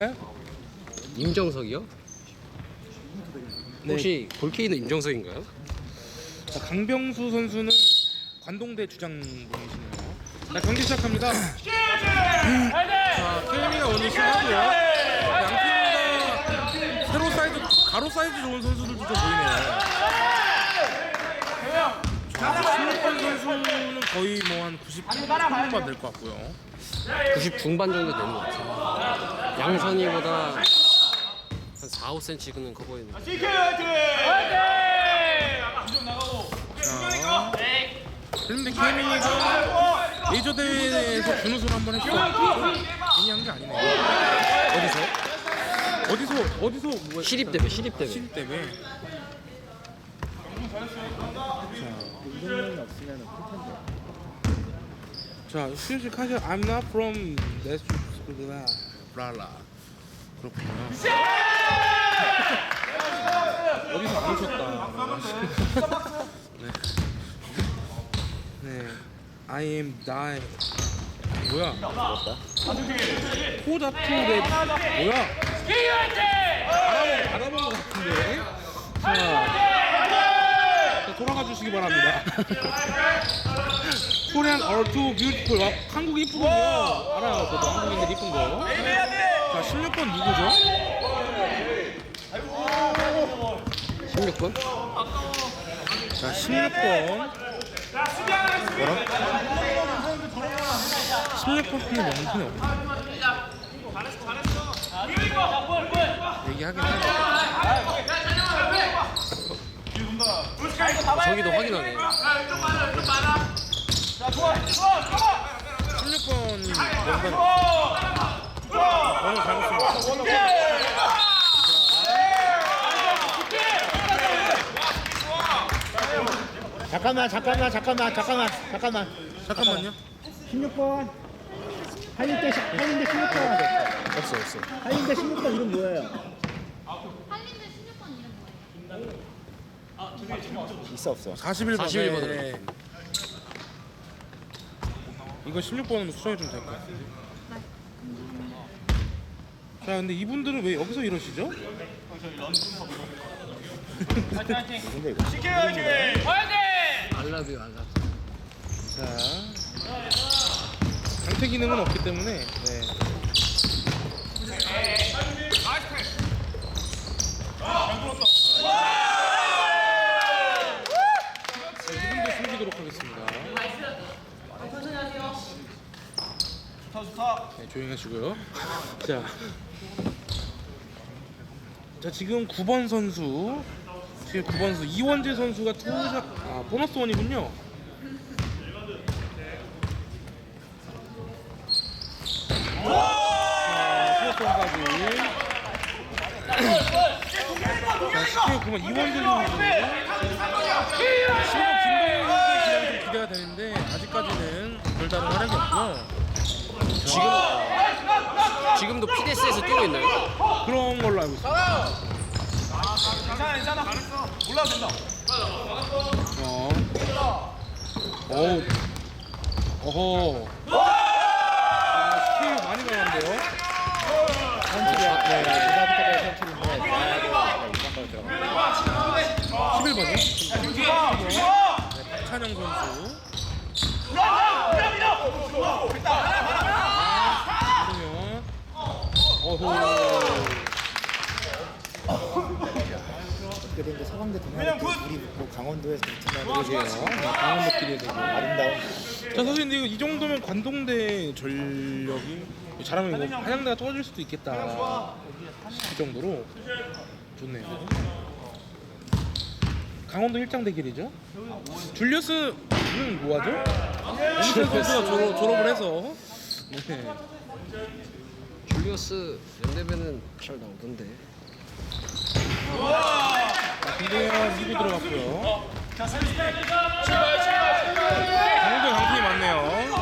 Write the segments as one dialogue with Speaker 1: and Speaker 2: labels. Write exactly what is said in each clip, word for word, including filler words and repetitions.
Speaker 1: 임정석이요?
Speaker 2: 네.
Speaker 1: 혹시 볼케이노 임정석인가요?
Speaker 2: 자, 강병수 선수는 관동대 주장분이시네요. 자, 경기 시작합니다. 자, 케이미가 오늘 시작하고요. 양팀 다 세로 사이즈, 가로 사이즈 좋은 선수들도 좀 보이네요. 자, 신우권 선수는 거의 뭐 한 구십 초반만 될 것 같고요.
Speaker 1: 구십 중반 정도 되는 것 같아요. 양선이보다 한 사, 오 센티미터는 커 보이는.
Speaker 2: 자, 그런데 케이미가 메이저 대회에서 준우승을 한번 했어. 괜히 한 게 아니네요.
Speaker 1: 어디서?
Speaker 2: 어디서 어디서 뭐
Speaker 1: 시립 대회, 시립 대회.
Speaker 2: 시립 대회.
Speaker 3: 이동면이 없으면 큰
Speaker 2: 자, 휴지 카시 I'm not from that school. 브라라. 그렇군요. 어디서 안 오셨다. 네. 네. I am die. 뭐야? 포자투 랩 뭐야? 알아본 알아본 것 같은데. 자, 자 돌아가 주시기 바랍니다. 코리안 are too beautiful. 와, 한국 이쁘군요. 알아요. 저도 한국인들 이쁜 거. 자, 십육 번 누구죠?
Speaker 1: 십육 번?
Speaker 2: 자, 십육 번. 뭐라? 십육 번 팀의 명분이 없네. 얘기하긴 하네.
Speaker 1: 저기도 확인하네.
Speaker 2: 십육 번이 명단. 오늘 잘했습니다.
Speaker 3: 잠깐만 잠깐만 잠깐만 잠깐만 잠깐만
Speaker 2: 잠깐만요.
Speaker 3: 십육 번 한인대 한인대 십육 번
Speaker 1: 없어, 없어.
Speaker 3: 한인대 십육 번 이름 뭐예요?
Speaker 4: 한림대 십육 번 이름 뭐예요?
Speaker 3: 있어 없어?
Speaker 2: 사십일 번.
Speaker 1: 사십일 번으로.
Speaker 2: 네. 이거 십육 번으로 수정해 주면 될 것 같은데. 자, 근데 이분들은 왜 여기서 이러시죠?
Speaker 3: 근데 이거
Speaker 1: 알라뷰, 알라뷰.
Speaker 2: 자, 강퇴 기능은 없기 때문에. 네. 자, 이분들 숨기도록 하겠습니다. 네, 조용히 하시고요. 자, 자 지금 구 번 선수, 지금 구 번 선수 이원재 선수가 투샷, 아 보너스 원이군요. 자, 투샷 원까지. 자, 십육 구 번 이원재 선수. 십오 번 김동현 선수의 기량이 좀 기대가 되는데 아직까지는 별다른 활약이 없고요.
Speaker 1: 지금, 지금도 피데스에서 뛰고 있나요?
Speaker 2: 그런 걸로 알고 있습니다.
Speaker 5: 괜찮아 괜찮아 올라도 된다.
Speaker 2: 어. 어우. 어허. 아, 스킬 많이 나왔는데요.
Speaker 3: 선출이야. 네. 부산부터 선출인데 이번까지 들어가.
Speaker 2: 십일 번이요? 네, 박찬영 선수. 어허.
Speaker 3: 어떻게 된게 서강대 동아리 우리 뭐 강원도에서 팀하고
Speaker 2: 그러게요. 강원도끼리 되고.
Speaker 3: 아름다운
Speaker 2: 자, 사실 근데 이거 이 정도면 관동대 전력이 잘하면 뭐 한양대가 떨어질 수도 있겠다 이 정도로 좋네요. 강원도 일장 대결이죠. 줄리어스는 뭐하죠? 윤철 선수가 졸업, 졸업을 해서. 네.
Speaker 1: 줄리어스 연대배는 잘 나오던데.
Speaker 2: 자, 김동현 이 부 들어갔고요. 강원도 강팀이 많네요.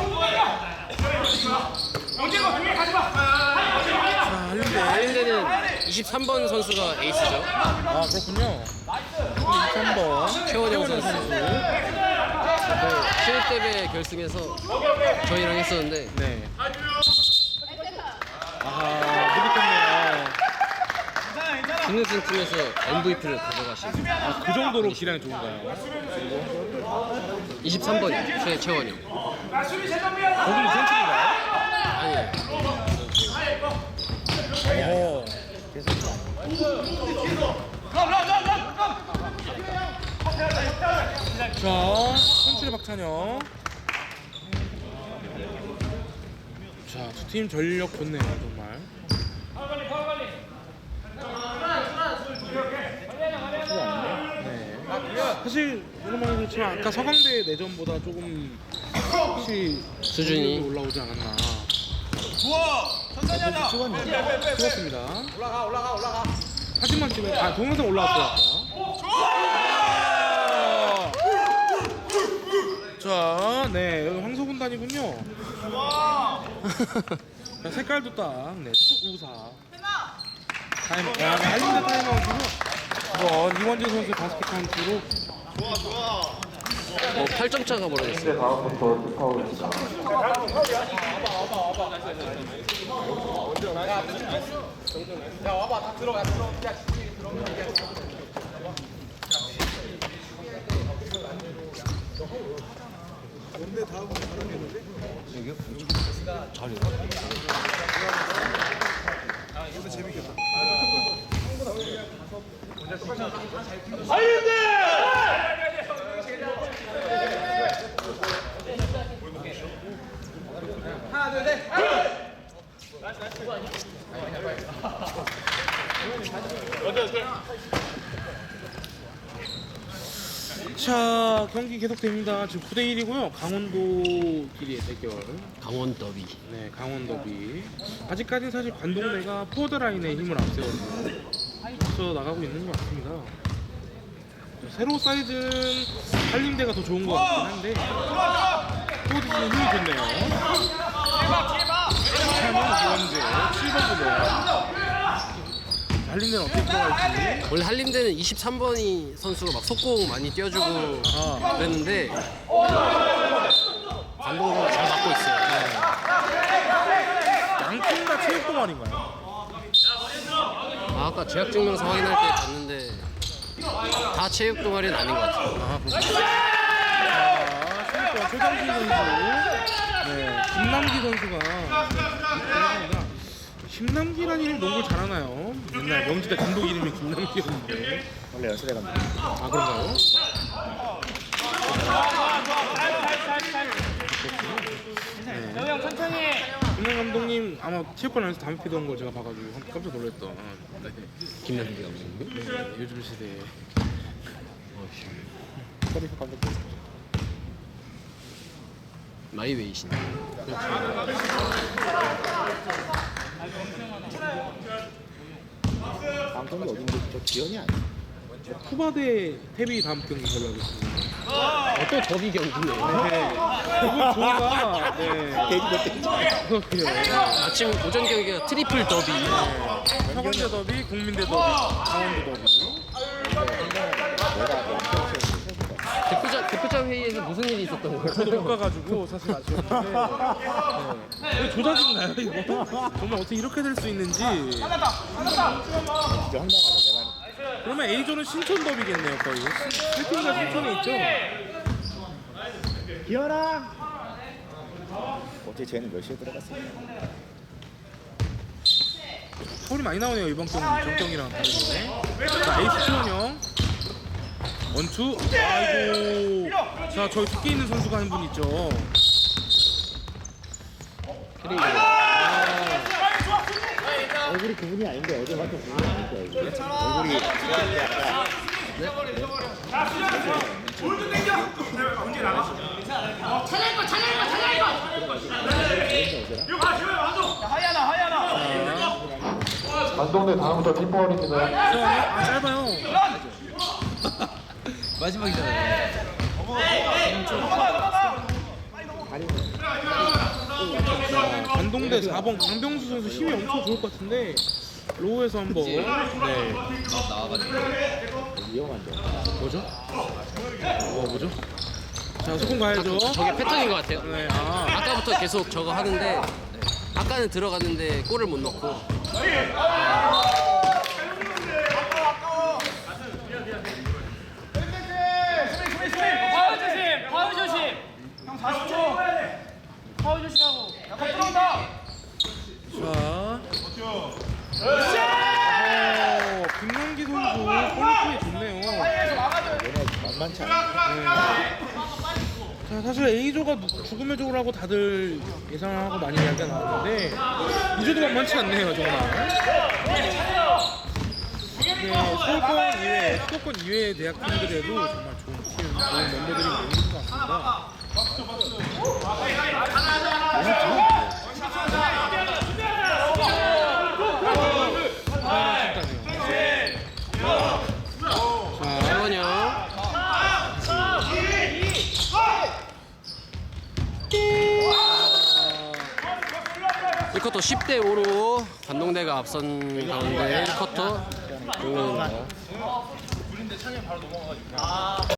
Speaker 2: 자, 한림대.
Speaker 1: 한림대는 이십삼 번 선수가 에이스죠.
Speaker 2: 아, 그렇군요. 이십삼 번
Speaker 1: 최원영 선수. 신입대회 결승에서 저희랑 했었는데
Speaker 2: 네. 아하, 느꼈네요.
Speaker 1: 준우승 팀에서 엠브이피를 가져가신
Speaker 2: 아, 그 정도로 기량이 좋은가요?
Speaker 1: 이십삼 번 최채원이 형.
Speaker 2: 거기는 센트인가요?
Speaker 1: 아니
Speaker 2: 어. 자, 선출의 박찬영. 자, 두 팀 전력 좋네요, 정말. 네. 사실 오랜만에 그렇지만 아까 서강대 내전보다 조금 혹시
Speaker 1: 수준이
Speaker 2: 올라오지 않았나.
Speaker 5: 좋아. 천천히 하자.
Speaker 2: 찍었습니다.
Speaker 5: 올라가 올라가 올라가.
Speaker 2: 사진만 찍어. 아, 동영상 올라왔어요. 아까. 자, 네, 여기 황소군단이군요. 자, 색깔도 딱, 네, 우사. 타임, 야, 할린드 타임아웃으로 이번 이원재 선수 바스켓 카운트로
Speaker 1: 어, 팔 점 차가 벌어졌어요.
Speaker 5: 야 와봐 다 들어가 들어. 야
Speaker 2: 자, 경기 계속됩니다. 지금 구 대 일이고요. 강원도끼리의 대결.
Speaker 1: 강원 더비.
Speaker 2: 네, 강원 더비. 아직까지는 사실 관동대가 포워드 라인에 힘을 앞세워서 앞서 나가고 있는 것 같습니다. 세로 사이드는 한림대가 더 좋은 것 같긴 한데 포워드는 힘이 좋네요. 차는 이원재, 칠 번 부분. 한림대는 어떻게 들어갈지.
Speaker 1: 원래 한림대는 이십삼 번이 선수가 막 속공 많이 띄워주고
Speaker 2: 아.
Speaker 1: 그랬는데 관동대가 잘 맞고 있어요.
Speaker 2: 양팀 다 체육 동아리인가요?
Speaker 1: 아, 아까 재학 증명서 확인할 때 봤는데 다 체육 동아리는 아닌 것 같아요.
Speaker 2: 아, 그렇습니다. 자, 체육관 최정진 선수, 네, 김남기 선수가 김남기라는 이름 농구를 잘하나요? 옛날 명지대 감독 이름이 김남기였는데.
Speaker 3: 원래 연세대 감독.
Speaker 2: 아, 그런가요?
Speaker 5: 형 천천히.
Speaker 2: 김남 감독님 아마 체육관 안에서 담배 피던 걸 제가 봐가지고 깜짝 놀랐던. 네,
Speaker 1: 김남기 감독님.
Speaker 2: 네, 요즘 시대에.
Speaker 3: 커리프 감독.
Speaker 1: 마이웨이신.
Speaker 3: 다음 경기 어딘데? 저 기현이 아니야?
Speaker 2: 쿠바대 태비 다음 경기 걸로 알고 있습니다.
Speaker 1: 어, 또 더비 경기네요.
Speaker 2: 네. 이번 저희가 네.
Speaker 3: 데뷔 몇 대지?
Speaker 2: 그렇군요.
Speaker 1: 아침 오전 경기가 트리플 더비.
Speaker 2: 서강대 더비, 국민대 더비, 강원도 더비.
Speaker 1: 대표자 대표자 회의에서 무슨 일이 있었던 거예요?
Speaker 2: 저도 못 가가지고 사실 아쉬웠는데. 네. 이거 조작인가요 이거? 정말 어떻게 이렇게 될 수 있는지.
Speaker 3: 진짜 황당하다 내가.
Speaker 2: 그러면 A조는 신촌 더비겠네요 거의. 세팅가 신촌에 있죠.
Speaker 3: 기현아. 어떻게 쟤는 몇 시에 들어갔을까?
Speaker 2: 서울이 많이 나오네요 이번 경기 정경이랑 다르게. 자 에이스 치원형 원투. 아이고. 자 저희 두께 있는 선수가 한 분 있죠.
Speaker 1: 그리고
Speaker 3: 얼굴이 그분이 아닌데 어제 봤던 그분이 아닐 거야 이게. 얼굴이 약간
Speaker 5: 하이하나 하이하나.
Speaker 6: 관동대 다음부터 팀버울입니다.
Speaker 2: 아 짧아요.
Speaker 1: 마지막이잖아요.
Speaker 2: 자, 관동대 사 번 강병수 선수 힘이 엄청 좋을 것 같은데 로우에서 한번. 네.
Speaker 3: 위험한데.
Speaker 2: 뭐죠? 뭐 뭐죠? 자 소금 가야죠.
Speaker 1: 저게 패턴인 것 같아요.
Speaker 2: 네. 아.
Speaker 1: 아까부터 계속 저거 하는데 아까는 들어갔는데 골을 못 넣고
Speaker 2: 어, 김남기 선수 퀄리티 좋네요.
Speaker 3: 얘네 만만치 않아.
Speaker 2: 네. 자, 사실 A조가 죽음의 조라고 다들 예상하고 많이 이야기가 나왔는데 이조도 만만치 않네요 정말. 네, 서울권 이외, 수도권 이외의 대학팀들에도 정말 좋은 팀, 좋은 멤버들이 모이는 것 같습니다.
Speaker 1: 세원형 일 쿼터 십 대 오로 관동대가 앞선 가운데 일 쿼터 종료입니다.